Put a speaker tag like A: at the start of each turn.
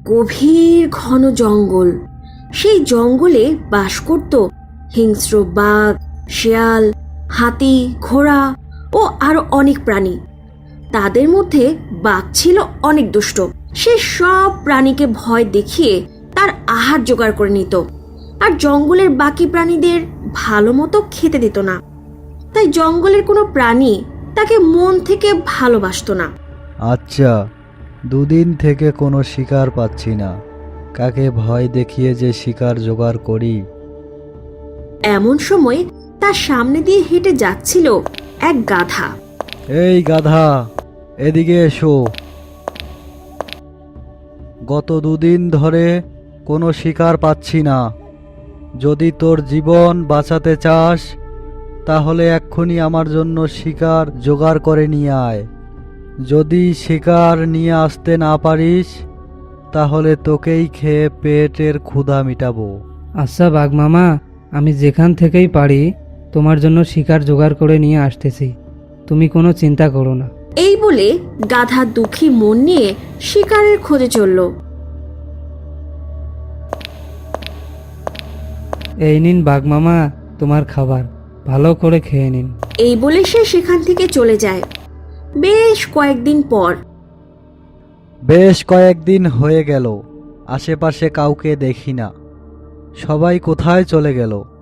A: গভীর ঘন জঙ্গল। সেই জঙ্গলে বাস করত হিংস্র বাঘ, শেয়াল, হাতি, ঘোড়া ও আরো অনেক প্রাণী। তাদের মধ্যে বাঘ ছিল অনেক দুষ্ট। সে সব প্রাণীকে ভয় দেখিয়ে তার আহার জোগাড় করে নিত, আর জঙ্গলের বাকি প্রাণীদের ভালো মতো খেতে দিত না। তাই জঙ্গলের কোনো প্রাণী তাকে মন থেকে ভালোবাসত না।
B: আচ্ছা, দুদিন থেকে কোনো শিকার পাচ্ছি না, কাকে ভয় দেখিয়ে যে শিকার জোগাড় করি।
A: এমন সময় তার সামনে দিয়ে হেঁটে যাচ্ছিল এক গাধা।
B: এই গাধা, এদিকে এসো। গত দুদিন ধরে কোনো শিকার পাচ্ছি না। যদি তোর জীবন বাঁচাতে চাস তাহলে এক্ষুনি আমার জন্য শিকার জোগাড় করে নিয়ে আয়। যদি শিকার নিয়ে আসতে না পারিস তাহলে তোকেই খেয়ে পেটের ক্ষুধা মিটাবো।
C: আচ্ছা বাঘ মামা, আমি যেখান থেকেই পারি তোমার জন্য শিকার জোগাড় করে নিয়ে আসতেছি, তুমি কোনো চিন্তা করো না।
A: এই বলে গাধা দুঃখী মন নিয়ে শিকারের খোঁজে চলল।
C: এই নিন বাঘ মামা তোমার খাবার, ভালো করে খেয়ে নিন।
A: এই বলে সে সেখান থেকে চলে যায়। বেশ কয়েকদিন
B: হয়ে গেল, আশেপাশে কাউকে দেখি না। সবাই কোথায় চলে গেল?